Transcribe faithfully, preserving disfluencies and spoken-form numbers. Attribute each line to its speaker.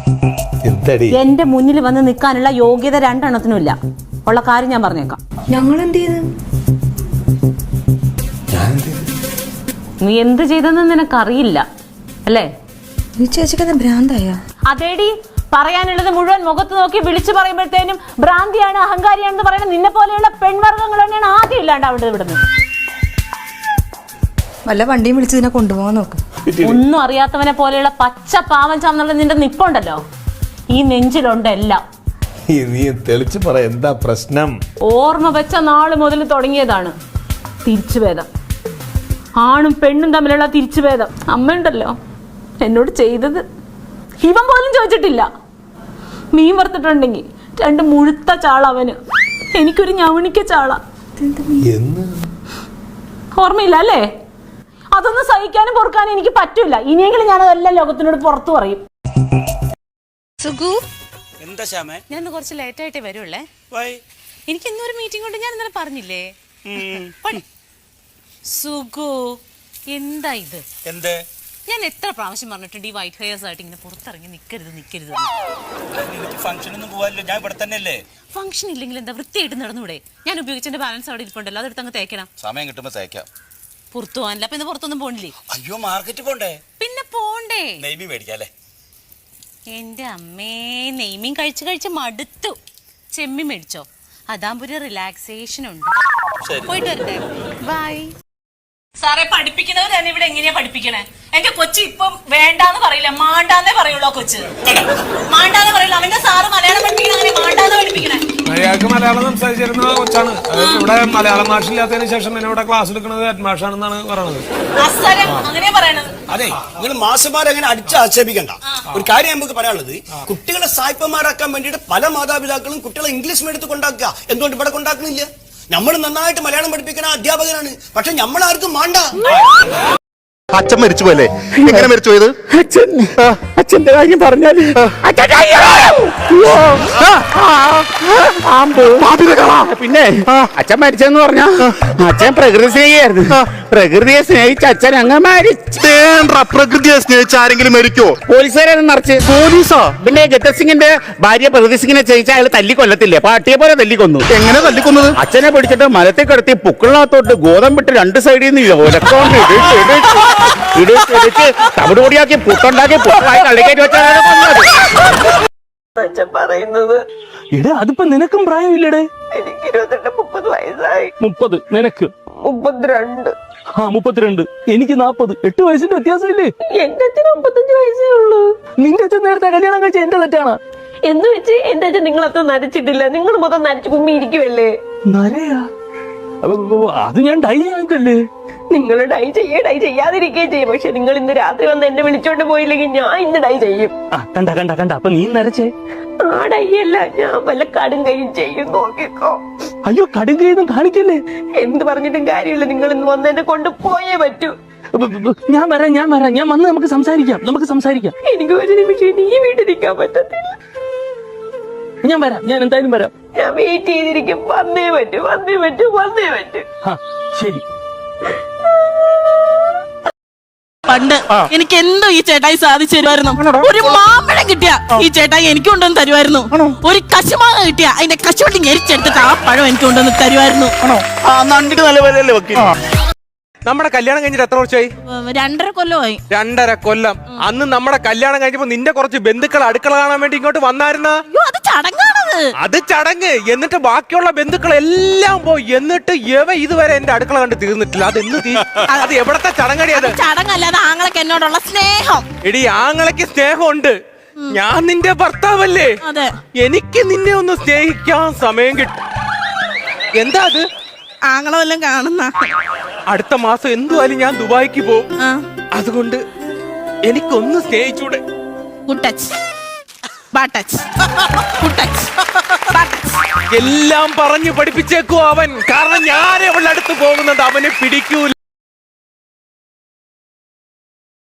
Speaker 1: എന്റെ മുന്നിൽ വന്ന് നിൽക്കാനുള്ള യോഗ്യത രണ്ടെണ്ണത്തിനും ഇല്ല. ഉള്ള കാര്യം ഞാൻ പറഞ്ഞേക്കാം.
Speaker 2: ഞങ്ങൾ എന്ത് ചെയ്ത്?
Speaker 1: നീ എന്ത് ചെയ്തെന്ന് നിനക്കറിയില്ല അല്ലേ?
Speaker 2: ഈ ചേച്ചിക്ക് ഭ്രാന്തായ?
Speaker 1: അതേടി, പറയാനുള്ളത് മുഴുവൻ മുഖത്ത് നോക്കി വിളിച്ചു പറയുമ്പോഴത്തേനും ഭ്രാന്തിയാണ്, അഹങ്കാരിയാണെന്ന് പറയുന്നത് നിന്നെ പോലെയുള്ള പെൺവർഗ്ഗങ്ങൾ തന്നെയാണ് ആദ്യം ഇല്ലാണ്ടാവേണ്ടത്. ഇവിടുന്ന്
Speaker 2: വല്ല വണ്ടിയും വിളിച്ച് ഇതിനെ കൊണ്ടുപോകാൻ നോക്ക്.
Speaker 1: ഒന്നും അറിയാത്തവനെ പോലെയുള്ള പച്ച പാവം ചാന്നുള്ള നിന്റെ നിപ്പുണ്ടല്ലോ, ഈ നെഞ്ചിലുണ്ട് എല്ലാം.
Speaker 3: നീ തെളിച്ച് പറ, എന്താ പ്രശ്നം?
Speaker 1: ഓർമ്മ വെച്ച നാള് മുതൽ തുടങ്ങിയതാണ് തിരിച്ചുഭേദം. ആണും പെണ്ണും തമ്മിലുള്ള തിരിച്ചുഭേദം. അമ്മയുണ്ടല്ലോ എന്നോട് ചെയ്തത് ഇവൻ പോലും ചോദിച്ചിട്ടില്ല. മീൻ വറുത്തിട്ടുണ്ടെങ്കിൽ രണ്ട് മുഴുത്ത ചാള അവന്, എനിക്കൊരു ഞവണിക്ക ചാള. ഓർമ്മയില്ല അല്ലേ? അതൊന്നും സഹിക്കാനും പൊറുക്കാനും എനിക്ക് പറ്റൂല. ഇനിയെങ്കിലും ഞാൻ അതെല്ലാം ലോകത്തിനോട് പുറത്തു പറയും.
Speaker 4: സുഗു,
Speaker 5: എന്താ ശ്യാമേ?
Speaker 4: ഞാൻ കുറച്ച് ലേറ്റ് ആയിട്ടേ വരുള്ളേ. എനിക്ക് ഇന്നൊരു മീറ്റിംഗ് കൊണ്ട് ഞാൻ ഇന്നലെ പറഞ്ഞില്ലേ. സുഗു, എന്താ ഇത്?
Speaker 5: എന്ത്?
Speaker 4: ഞാൻ എത്ര പ്രാവശ്യം പറഞ്ഞിട്ടുണ്ട് ഈ വൈറ്റ് ഹെയർസ് ആയിട്ട് ഇങ്ങനെ പുറത്തിറങ്ങി നിൽക്കരുത് നിൽക്കരുത്.
Speaker 5: ഫംഗ്ഷനൊന്നും പോവാല്ലോ, ഞാൻ ഇവിടെ തന്നെയല്ലേ.
Speaker 4: ഫംഗ്ഷൻ ഇല്ലെങ്കിൽ എന്താ, വൃത്തിയായിട്ട് നടന്നൂടെ? ഞാൻ ഉപയോഗിച്ചതിന്റെ ബാലൻസ് അവിടെ ഇരിപ്പുണ്ടല്ലോ, അതെടുത്ത് അങ്ങ് തേക്കണം.
Speaker 5: സമയം കിട്ടുമ്പോ തേക്കാം.
Speaker 4: പുറത്തു പോകാനില്ല. അപ്പൊ ഇന്ന് പുറത്തൊന്നും പോണില്ലേ?
Speaker 5: അയ്യോ, മാർക്കറ്റ് പോണ്ടേ?
Speaker 4: പിന്നെ പോണ്ടേ.
Speaker 5: നെയ്മി മേടിക്കാല്ലേ?
Speaker 4: എന്റെ അമ്മേ, നെയ്മീൻ കഴിച്ച് കഴിച്ച് മടുത്തു. ചെമ്മി മേടിച്ചോ, അതാകുമ്പോ ഒരു റിലാക്സേഷൻ ഉണ്ട്. പോയിട്ട് വരട്ടെ, ബൈ. സാറേ, പഠിപ്പിക്കുന്നവർ തന്നെ ഇവിടെ എങ്ങനെയാ പഠിപ്പിക്കണേ? എന്റെ കൊച്ചി ഇപ്പം വേണ്ടാന്ന് പറയില്ല, മാണ്ടാന്നേ പറയുള്ളൂ. കൊച്ച് മാണ്ടാന്ന് പറയില്ല. അവന്റെ സാറ് മലയാളം പഠിപ്പിക്കണ അങ്ങനെ മാണ്ടാന്ന് പഠിപ്പിക്കണേ.
Speaker 6: അയാൾക്ക് മലയാളം സംസാരിച്ചിരുന്ന കൊച്ചാണ്. ഇവിടെ മലയാളം ഭാഷ ഇല്ലാത്തതിന് ശേഷം എന്നെ ഇവിടെ ക്ലാസ് എടുക്കുന്നത് ഹെഡ് മാഷാണെന്നാണ് പറയുന്നത്.
Speaker 4: അങ്ങനെ പറയണത്.
Speaker 5: അതെ, നിങ്ങൾ മാഷന്മാരെ അങ്ങനെ അടിച്ച് ആക്ഷേപിക്കണ്ട. ഒരു കാര്യം നമുക്ക് പറയാനുള്ളത്, കുട്ടികളെ സായിപ്പന്മാരാക്കാൻ വേണ്ടിയിട്ട് പല മാതാപിതാക്കളും കുട്ടികളെ ഇംഗ്ലീഷ് മീഡിയത്തിൽ കൊണ്ടാക്കുക. എന്തുകൊണ്ട് ഇവിടെ കൊണ്ടാക്കുന്നില്ല? നമ്മൾ നന്നായിട്ട് മലയാളം പഠിപ്പിക്കുന്ന അധ്യാപകനാണ്, പക്ഷെ നമ്മളാർക്കും വേണ്ട.
Speaker 7: അച്ഛൻ മരിച്ചു പോലെ എങ്ങനെ മരിച്ചു പോയത്?
Speaker 8: അച്ഛൻ അച്ഛന്റെ കാര്യം പറഞ്ഞാല് പിന്നെ അച്ഛൻ മരിച്ചെന്ന് പറഞ്ഞ അച്ഛൻ പ്രകൃതി സ്നേഹിയായിരുന്നു. പ്രകൃതിയെ സ്നേഹിച്ച അച്ഛൻ അങ്ങ് മരിച്ചു.
Speaker 7: പ്രകൃതിയെ സ്നേഹിച്ച ആരെങ്കിലും മരിക്കോ?
Speaker 8: പോലീസുകാരും നിറച്ച്.
Speaker 7: പോലീസോ?
Speaker 8: പിന്നെ ജഗത് സിംഗിന്റെ ഭാര്യ പ്രകൃതി സിംഗിനെ സ്നേഹിച്ച അയാൾ തല്ലിക്കൊല്ലത്തില്ലേ, പാട്ടിയെ പോലെ തല്ലിക്കൊന്നു.
Speaker 7: എങ്ങനെ തല്ലിക്കൊന്നത്?
Speaker 8: അച്ഛനെ പിടിച്ചിട്ട് മലത്തിൽ കിടത്തി പുക്കളിനകത്തോട്ട് ഗോതമ്പിട്ട് രണ്ട് സൈഡിൽ നിന്ന് ഒലക്കൊണ്ട് ഇടിച്ച് ഇടിച്ച് തവിടുപൊടിയാക്കി പുട്ടുണ്ടാക്കി പുട്ടായി തള്ളിക്കയറ്റി വെച്ചാണ്
Speaker 9: പറയുന്നത്.
Speaker 6: ഇടേ, അതിപ്പോ നിനക്കും പ്രായമില്ലടേ.
Speaker 9: എനിക്ക് ഇരുപത്തെട്ട് മുപ്പത് വയസ്സായി.
Speaker 6: മുപ്പത് നിനക്ക്?
Speaker 9: മുപ്പത്തിരണ്ട്.
Speaker 6: ആ മുപ്പത്തിരണ്ട്. എനിക്ക് നാപ്പത്. എട്ട് വയസ്സിന്റെ വ്യത്യാസമില്ലേ?
Speaker 9: എന്റെ അച്ഛന് മുപ്പത്തഞ്ച് വയസ്സേ ഉള്ളൂ.
Speaker 6: നിന്റെ അച്ഛൻ നേരത്തെ കല്യാണം കഴിച്ച എന്റെ തെറ്റാണ്
Speaker 9: എന്ന് വെച്ച് എന്റെ അച്ഛൻ നിങ്ങളത്ര നരച്ചിട്ടില്ല. നിങ്ങൾ മൊത്തം നരച്ചു കുമ്മി ഇരിക്കുവല്ലേ.
Speaker 6: നരയാ? അത് ഞാൻ ഡൈ ചെയ്തല്ലേ.
Speaker 9: നിങ്ങൾ ഡൈ ചെയ്യേ ഡൈ ചെയ്യാതിരിക്കുകയും ചെയ്യും. പക്ഷെ നിങ്ങൾ ഇന്ന് രാത്രി വന്ന് എന്നെ വിളിച്ചോണ്ട് പോയില്ലെങ്കിൽ ഞാൻ ഇന്ന് ഡൈ ചെയ്യും.
Speaker 6: കണ്ട കണ്ട കണ്ട അപ്പൊ നീ നരച്ചേ?
Speaker 9: ആ ഡൈ അല്ല, ഞാൻ വല്ല കടും കൈയും ചെയ്യും. നോക്കിക്കോ.
Speaker 6: അയ്യോ, കടും കൈയൊന്നും കാണിക്കല്ലേ.
Speaker 9: എന്ത് പറഞ്ഞിട്ടും കാര്യമില്ല, നിങ്ങൾ ഇന്ന് വന്ന് എന്നെ കൊണ്ട് പോയേ പറ്റൂ.
Speaker 6: ഞാൻ വരാം ഞാൻ വരാം ഞാൻ വന്ന് നമുക്ക് സംസാരിക്കാം നമുക്ക് സംസാരിക്കാം
Speaker 9: എനിക്ക് ഒരു നിമിഷം ഈ വീട്ടിലിരിക്കാൻ പറ്റത്തില്ല.
Speaker 6: ഞാൻ വരാം, ഞാൻ എന്തായാലും വരാം.
Speaker 9: ഞാൻ വെയിറ്റ് ചെയ്തിരിക്കും. വന്നേ പറ്റൂ, വന്നേ പറ്റൂ, വന്നേ പറ്റൂ.
Speaker 6: ശരി.
Speaker 10: പണ്ട് എനിക്ക് എന്തോ ഈ ചേട്ടായി സാധിച്ചു തരുമായിരുന്നു. ഒരു മാമ്പഴം കിട്ടിയ ഈ ചേട്ടായി എനിക്ക് കൊണ്ടുവന്ന് തരുമായിരുന്നു. ഒരു കശുമാങ്ങ കിട്ടിയ അതിന്റെ കശുവണ്ടി ഞെരിച്ചെടുത്തിട്ട് ആ പഴം എനിക്ക് കൊണ്ടുവന്ന് തരുമായിരുന്നു.
Speaker 6: നമ്മുടെ കല്യാണം കഴിഞ്ഞിട്ട് എത്ര വർഷമായി?
Speaker 10: രണ്ടര കൊല്ലമായി.
Speaker 6: രണ്ടര കൊല്ലം. അന്ന് നമ്മുടെ കല്യാണം കഴിഞ്ഞപ്പോ നിന്റെ കുറച്ച് ബന്ധുക്കൾ അടുക്കള കാണാൻ വേണ്ടി ഇങ്ങോട്ട് വന്നായിരുന്ന?
Speaker 10: അത് ചടങ്ങാണത്.
Speaker 6: അത് ചടങ്ങ്. എന്നിട്ട് ബാക്കിയുള്ള ബന്ധുക്കൾ എല്ലാം പോയി. എന്നിട്ട് എവ ഇതുവരെ എന്റെ അടുക്കള കണ്ട് തീർന്നിട്ടില്ല. അത് എന്ന് അത് എവിടത്തെ ചടങ്ങടി? അത്
Speaker 10: ചടങ്ങല്ലാതെ ആങ്ങളൊക്കെ എന്നോടുള്ള സ്നേഹം.
Speaker 6: എടി, ആങ്ങളയ്ക്ക് സ്നേഹമുണ്ട്. ഞാൻ നിന്റെ ഭർത്താവല്ലേ. എനിക്ക് നിന്നെ ഒന്ന് സ്നേഹിക്കാൻ സമയം കിട്ടും. എന്താ അത്?
Speaker 10: ആങ്ങളെല്ലാം കാണുന്ന
Speaker 6: അടുത്ത മാസം എന്തുവായാലും ഞാൻ ദുബായിക്ക് പോകും. അതുകൊണ്ട് എനിക്കൊന്ന് സ്നേഹിച്ചൂടെ? എല്ലാം പറഞ്ഞു പഠിപ്പിച്ചേക്കോ അവൻ. കാരണം ഞാൻ അവളുടെ അടുത്ത് പോകുന്നത് അവനെ പിടിക്കൂല.